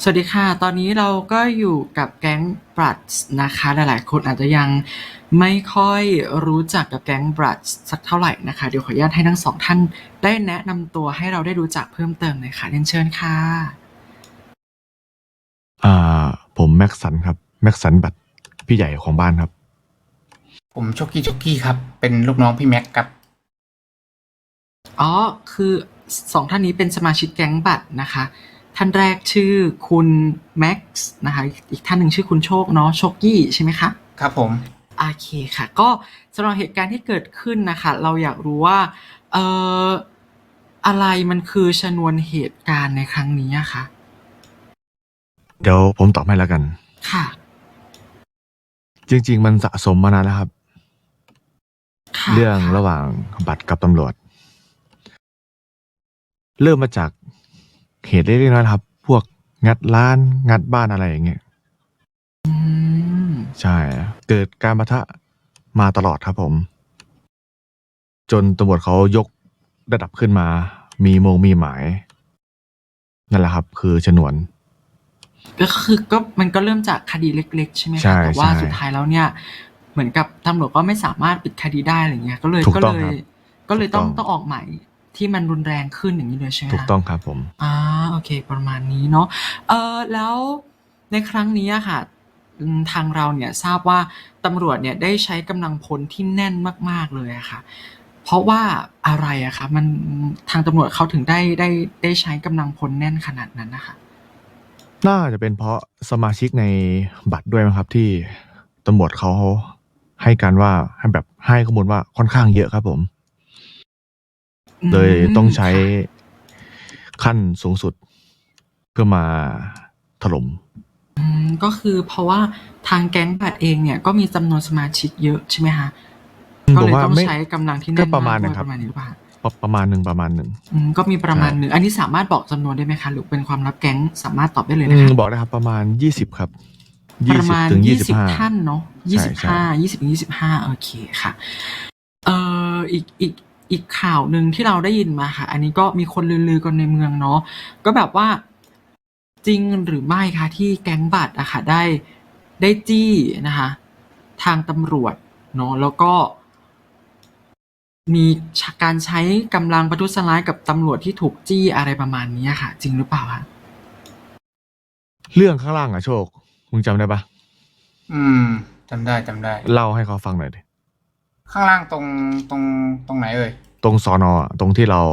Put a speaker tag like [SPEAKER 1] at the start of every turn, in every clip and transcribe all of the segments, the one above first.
[SPEAKER 1] สวัสดีค่ะ ตอนนี้เราก็อยู่กับแก๊ง Bloods นะคะ หลายๆ คนอาจจะยังไม่ค่อยรู้จักกับแก๊ง Bloods สักเท่าไหร่นะคะ เดี๋ยวขออนุญาตให้ทั้งสองท่านได้แนะนำตัวให้เราได้รู้จักเพิ่มเติมหน่อยค่ะเรียนเชิญค่ะ
[SPEAKER 2] อ่ผมแม็กสันครับแม็กสันบัตรพี่ใหญ่ของบ้านครับ
[SPEAKER 3] ผมโชกี้ครับ เป็นลูกน้องพี่แม็กครับ
[SPEAKER 1] อ๋อ คือสองท่านนี้เป็นสมาชิกแก๊งบัตรนะคะ ท่านแรกชื่อคุณแม็กซ์นะคะ อีกท่านหนึ่งชื่อคุณโชคเนาะ โชกี้ใช่ไหมคะ
[SPEAKER 3] ครับผม
[SPEAKER 1] โอเคค่ะ ก็สำหรับเหตุการณ์ที่เกิดขึ้นนะคะ เราอยากรู้ว่าเอ่ออะไรมันคือชนวนเหตุการณ์ในครั้งนี้อะคะ
[SPEAKER 2] เดี๋ยวผมตอบให้แล้วกัน
[SPEAKER 1] ค่ะ
[SPEAKER 2] จริงๆมันสะสมมานานแล้วครับ
[SPEAKER 1] ค่ะ
[SPEAKER 2] เรื่อง
[SPEAKER 1] ค่ะ
[SPEAKER 2] ระหว่างบัตรกับตำรวจ เริ่มมาจากเหตุเล็กๆน้อยๆครับ พวกงัดร้านงัดบ้านอะไรอย่างเงี้ย
[SPEAKER 1] อืม
[SPEAKER 2] ใช่ เกิดการปะทะมาตลอดครับผม จนตำรวจเขายกระดับขึ้นมา มีหมาย นั่นแหละครับ คือฉนวน
[SPEAKER 1] ก็คือมันก็เริ่มจากคดีเล็กๆใช่ไหม
[SPEAKER 2] ใช่
[SPEAKER 1] คะ แต่ว่า
[SPEAKER 2] ใช่
[SPEAKER 1] สุดท้ายแล้วเนี่ย เหมือนกับตำรวจก็ไม่สามารถปิดคดีได้อะไรเงี้ย ก็เลย
[SPEAKER 2] ถูกต้องครับ ถูกต้
[SPEAKER 1] ต้อ
[SPEAKER 2] อง
[SPEAKER 1] งออกหมายที่มันรุนแรงขึ้นอย่างนี้เลยใช่ไหม
[SPEAKER 2] ถูก
[SPEAKER 1] คะ
[SPEAKER 2] ต้องครับผม
[SPEAKER 1] โอเค ประมาณนี้เนาะแล้วในครั้งนี้อะค่ะทางเราเนี่ยทราบว่าตำรวจเนี่ยได้ใช้กำลังพลที่แน่นมากๆเลยอะค่ะ เพราะว่าอะไรอะคะมันทางตำรวจเขาถึงได้ใช้กำลังพลแน่นขนาดนั้นน่ะค่ะ
[SPEAKER 2] น่าจะเป็นเพราะสมาชิกในบัตรด้วยมั้งครับ ที่ตำรวจเขาให้การว่าให้ข้อมูลว่าค่อนข้างเยอะครับผม เลยต้องใช้
[SPEAKER 1] ค่ะ
[SPEAKER 2] ขั้นสูงสุด เพื่อมาถล่ม
[SPEAKER 1] ก็คือเพราะว่าทางแก๊งบัตรเองเนี่ยก็มีจำนวนสมาชิกเยอะใช่ไหมคะ ก็
[SPEAKER 2] ผ
[SPEAKER 1] เล
[SPEAKER 2] ม
[SPEAKER 1] ย
[SPEAKER 2] ว่า
[SPEAKER 1] ต้อง
[SPEAKER 2] ไม่
[SPEAKER 1] ใช้กำลังที่
[SPEAKER 2] ก็
[SPEAKER 1] แน่น
[SPEAKER 2] ประมาณ
[SPEAKER 1] มาก
[SPEAKER 2] หนึ
[SPEAKER 1] ด้
[SPEAKER 2] ง
[SPEAKER 1] วย
[SPEAKER 2] ครับ
[SPEAKER 1] ประมาณนี้หรือเปล่าคะ
[SPEAKER 2] ประมาณหนึ่ง
[SPEAKER 1] ก็มีประมาณ
[SPEAKER 2] ใช่
[SPEAKER 1] หนึ่ง อันนี้สามารถบอกจำนวนได้ไหมคะ หรือเป็นความลับแก๊งสามารถตอบได้เลยนะคะ
[SPEAKER 2] บอกได้ครับประมาณ20ครับ
[SPEAKER 1] ประมาณ
[SPEAKER 2] 20 ถึง
[SPEAKER 1] 20 ท่านเนาะ
[SPEAKER 2] ใช่
[SPEAKER 1] 20-25 โอเคค่ะ อีกข่าวหนึ่งที่เราได้ยินมาค่ะ อันนี้ก็มีคนลือๆกันในเมืองเนาะ ก็แบบว่าจริงหรือไม่คะที่แก๊งบัตรอะค่ะได้จี้นะคะ ทางตำรวจเนาะ แล้วก็มีการใช้กำลังประทุษร้ายกับตำรวจที่ถูกจี้อะไรประมาณนี้อะค่ะ จริงหรือเปล่าคะ
[SPEAKER 2] เรื่องข้างล่างอะโชค มึงจำได้ปะ
[SPEAKER 3] จำได้
[SPEAKER 2] เล่าให้เขาฟังหน่อยดิ
[SPEAKER 3] ข้างล่างตรงไหนเอ่ย
[SPEAKER 2] ตรงสอนอะตรงที่เรา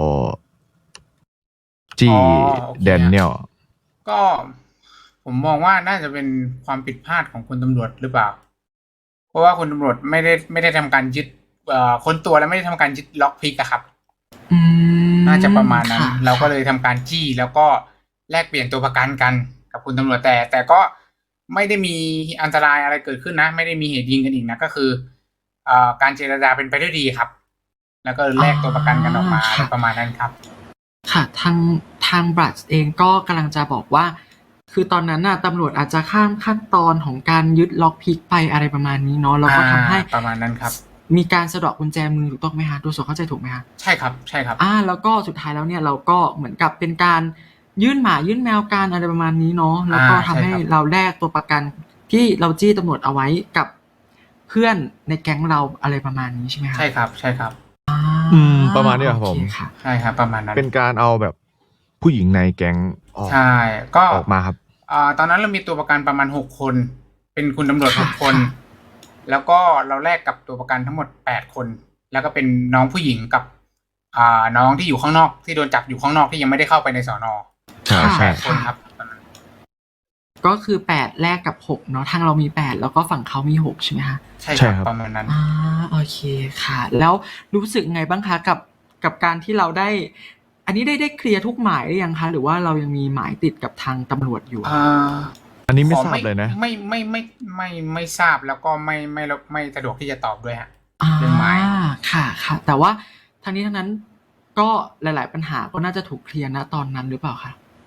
[SPEAKER 2] จี้
[SPEAKER 3] โอเค
[SPEAKER 2] แดเนียล
[SPEAKER 3] ก็ผมมองว่าน่าจะเป็นความผิดพลาดของคุณตำรวจหรือเปล่า เพราะว่าคุณตำรวจไม่ได้ทำการยึดค้นตัวและไม่ได้ทำการยึดล็อกพิกอะครับ น่าจะประมาณนั้น
[SPEAKER 1] ค่ะ
[SPEAKER 3] เราก็เลยทำการจี้แล้วก็แลกเปลี่ยนตัวประกันกันกับคุณตำรวจแต่ก็ไม่ได้มีอันตรายอะไรเกิดขึ้นนะ ไม่ได้มีเหตุยิงกันอีกนะก็คือการเจรจาเป็นไปด้วยดีครับ แล้วก็แลกตัวประกันกันออกมาอะไรประมาณนั้นครับ
[SPEAKER 1] ค่ะทางบรัชเองก็กำลังจะบอกว่า คือตอนนั้นน่ะตำรวจอาจจะข้ามขั้นตอนของการยึดล็อกพิกไปอะไรประมาณนี้เนาะแล้วก็ทำให้
[SPEAKER 3] ประมาณนั้นครับ
[SPEAKER 1] มีการสะเดาะกุญแจมือถูกต้องไหมคะดูสดเข้าใจถูกไหมคะ
[SPEAKER 3] ใช่ครับ
[SPEAKER 1] แล้วก็สุดท้ายแล้วเนี่ยเราก็เหมือนกับเป็นการยื่นหมายื่นแมวกันอะไรประมาณนี้เนาะแล้วก็ทำให้เราแลกตัวประกันที่เราจี้ตำรวจเอาไว้กับเพื่อนในแก๊งเราอะไรประมาณนี้ใช่ไหมคะ
[SPEAKER 3] ใช่ครับ
[SPEAKER 2] ประมาณนี้ครับผม
[SPEAKER 1] โอเคค่ะ
[SPEAKER 3] ใช่ครับประมาณนั้น
[SPEAKER 2] เป็นการเอาแบบผู้หญิงในแก๊งออก
[SPEAKER 3] ใช่ก็
[SPEAKER 2] ออกมาครับ
[SPEAKER 3] ตอนนั้นเรามีตัวประกันประมาณ6 คน เป็นคุณตำรวจ
[SPEAKER 1] ค่ะ
[SPEAKER 3] 6 คน แล้วก็เราแลกกับตัวประกันทั้งหมด8 คน แล้วก็เป็นน้องผู้หญิงกับน้องที่อยู่ข้างนอกที่โดนจับอยู่ข้างนอกที่ยังไม่ได้เข้าไปในสอนอ
[SPEAKER 2] ใช่ใช่
[SPEAKER 3] 8 คนครับตอนนั้น
[SPEAKER 1] ก็คือ8แลกกับ6เนาะทางเรามี8แล้วก็ฝั่งเขามี6ใช่ไหมคะ
[SPEAKER 3] ใช่
[SPEAKER 2] ใช่
[SPEAKER 3] ค
[SPEAKER 2] ครั
[SPEAKER 3] รับบ ประมาณนั้น
[SPEAKER 1] โอเคค่ะ แล้วรู้สึกไงบ้างคะกับการที่เราได้ อันนี้ได้เคลียร์ทุกหมายหรือยังคะหรือว่าเรายังมีหมายติดกับทางตำรวจอยู่
[SPEAKER 2] อันนี้ไม่
[SPEAKER 3] ขอ
[SPEAKER 2] ทราบเลยนะ
[SPEAKER 3] ไม่ทราบแล้วก็ไม่สะดวกที่จะตอบด้วยฮะ
[SPEAKER 1] อ่า
[SPEAKER 3] เรื่องหมาย
[SPEAKER 1] ค่ะ แต่ว่าทางนี้ทั้งนั้นก็หลาย ๆ ปัญหาก็น่าจะถูกเคลียร์ณตอนนั้นหรือเปล่าคะ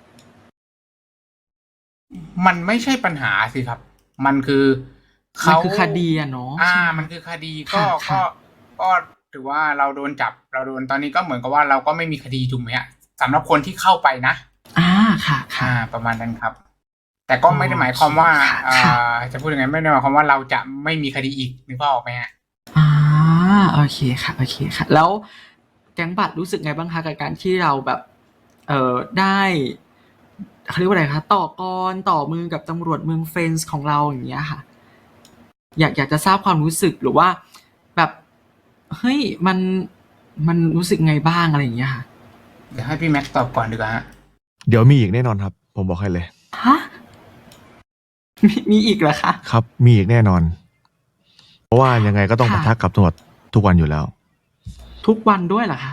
[SPEAKER 3] มันไม่ใช่ปัญหาสิครับ มันคือ
[SPEAKER 1] มันคือคดีอะเนาะใช่ไหม
[SPEAKER 3] มันคือคดี
[SPEAKER 1] ค่ะ
[SPEAKER 3] ก็ถือว่าเราโดนจับเราโดนตอนนี้ก็เหมือนกับว่าเราก็ไม่มีคดีถูกไหมฮะสำหรับคนที่เข้าไปนะ
[SPEAKER 1] ค่ะ
[SPEAKER 3] ประมาณนั้นครับแต่ก็ไม่ได้หมายความว่า
[SPEAKER 1] โอเคค่ะ
[SPEAKER 3] จะพูดยังไงไม่ได้หมายความว่าเราจะไม่มีคดีอีกนึกภาพออกไหมฮะ
[SPEAKER 1] โอเคค่ะโอเคค่ะ แล้วแก๊งบัตรรู้สึกไงบ้างคะกับการที่เราแบบได้เขาเรียกว่าอะไรคะต่อกรต่อมือกับตำรวจเมืองเฟนส์ของเราอย่างเงี้ยค่ะ อยากจะทราบความรู้สึกหรือว่าแบบเฮ้ยมันรู้สึกไงบ้างอะไรอย่างเงี้ยค่ะ
[SPEAKER 3] เดี๋ยวให้พี่แม็กซ์ตอบก่อนดีกว่าฮะ
[SPEAKER 2] เดี๋ยวมีอีกแน่นอนครับ ผมบอกให้เลย
[SPEAKER 1] ฮะมีอีกเหรอคะ
[SPEAKER 2] ครับ มีอีกแน่นอน เพราะว่ายังไงก็ต้อง
[SPEAKER 1] ค่ะ
[SPEAKER 2] ปะทะกับตำรวจทุกวันอยู่แล้ว
[SPEAKER 1] ทุกวันด้วยเหรอคะ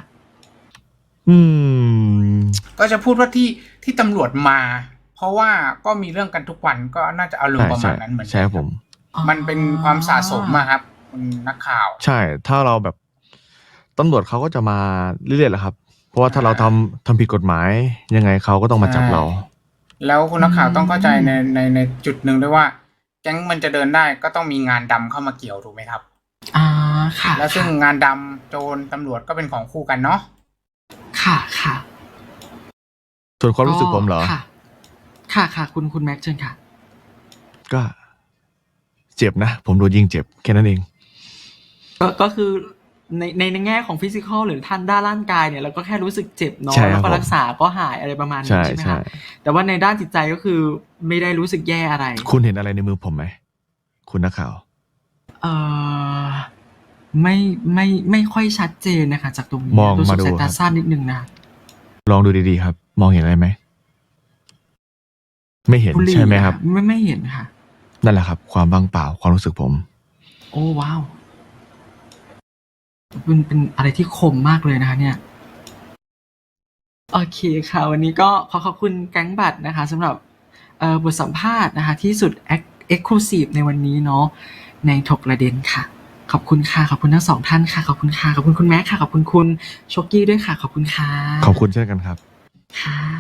[SPEAKER 3] ก็จะพูดว่าที่ตำรวจมา เพราะว่าก็มีเรื่องกันทุกวันก็น่าจะอารมณ์ประมาณนั้นเหมือน
[SPEAKER 2] ใช่
[SPEAKER 3] กัน
[SPEAKER 2] ครับผม
[SPEAKER 3] มันเป็นความสะสมอะครับคุณนักข่าว
[SPEAKER 2] ใช่ ถ้าเราแบบตำรวจเขาก็จะมาเรื่อยๆแหละครับ เพราะว่าถ้าเราทำผิดกฎหมาย ยังไงเขาก็ต้องมาจับเรา
[SPEAKER 3] แล้วคุณนักข่าวต้องเข้าใจในจุดหนึ่งด้วยว่า แก๊งมันจะเดินได้ก็ต้องมีงานดำเข้ามาเกี่ยวถูกไหมครับ
[SPEAKER 1] ค่ะ
[SPEAKER 3] แล้วซึ่งงานดำโจรตำรวจก็เป็นของคู่กันเนาะ
[SPEAKER 1] ค่ะ
[SPEAKER 2] ส่วนความรู้สึกผมเหรอ
[SPEAKER 1] ค่ะคุณแม็กซ์เชิญค่ะ
[SPEAKER 2] ก็เจ็บนะ ผมโดนยิงเจ็บแค่นั้นเอง
[SPEAKER 1] ก็คือในแง่ของฟิสิกอลหรือท่านด้านร่างกายเนี่ยเราก็แค่รู้สึกเจ็บเนาะ
[SPEAKER 2] ใช่ครับ
[SPEAKER 1] แล้วก็รักษาก็หายอะไรประมาณนี้
[SPEAKER 2] ใช่
[SPEAKER 1] ใช่ไหม
[SPEAKER 2] ใช่
[SPEAKER 1] คะแต่ว่าในด้านจิตใจก็คือไม่ได้รู้สึกแย่อะไร
[SPEAKER 2] คุณเห็นอะไรในมือผมไหม คุณนักข่าว
[SPEAKER 1] ไม่ค่อยชัดเจนนะคะ จากตรงนี้
[SPEAKER 2] มอง
[SPEAKER 1] รู้สึ
[SPEAKER 2] มาก ดู
[SPEAKER 1] สาย
[SPEAKER 2] ค
[SPEAKER 1] ตา
[SPEAKER 2] รับ
[SPEAKER 1] สั้นนิดนึงนะ
[SPEAKER 2] ลองดูดีๆครับ มองเห็นอะไรไหม ไม่เห็น
[SPEAKER 1] บุหรี่
[SPEAKER 2] ใช่ไหมครับ
[SPEAKER 1] ไม่เห็นค่ะ
[SPEAKER 2] นั่นแหละครับ ความว่างเปล่าความรู้สึกผม
[SPEAKER 1] โอ้ว้าวเป็นอะไรที่คมมากเลยนะคะเนี่ย โอเคค่ะ วันนี้ก็ขอบคุณแก๊งบัตรนะคะสำหรับบทสัมภาษณ์นะคะที่สุดExclusive ในวันนี้เนาะในถกประเด็นค่ะ ขอบคุณค่ะ ขอบคุณทั้งสองท่านค่ะ ขอบคุณค่ะ ขอบคุณคุณแม็กค่ะ ขอบคุณคุณโชกี้ด้วยค่ะ ขอบคุณค่ะ
[SPEAKER 2] ขอบคุณเช่นกันครับ
[SPEAKER 1] ค่ะ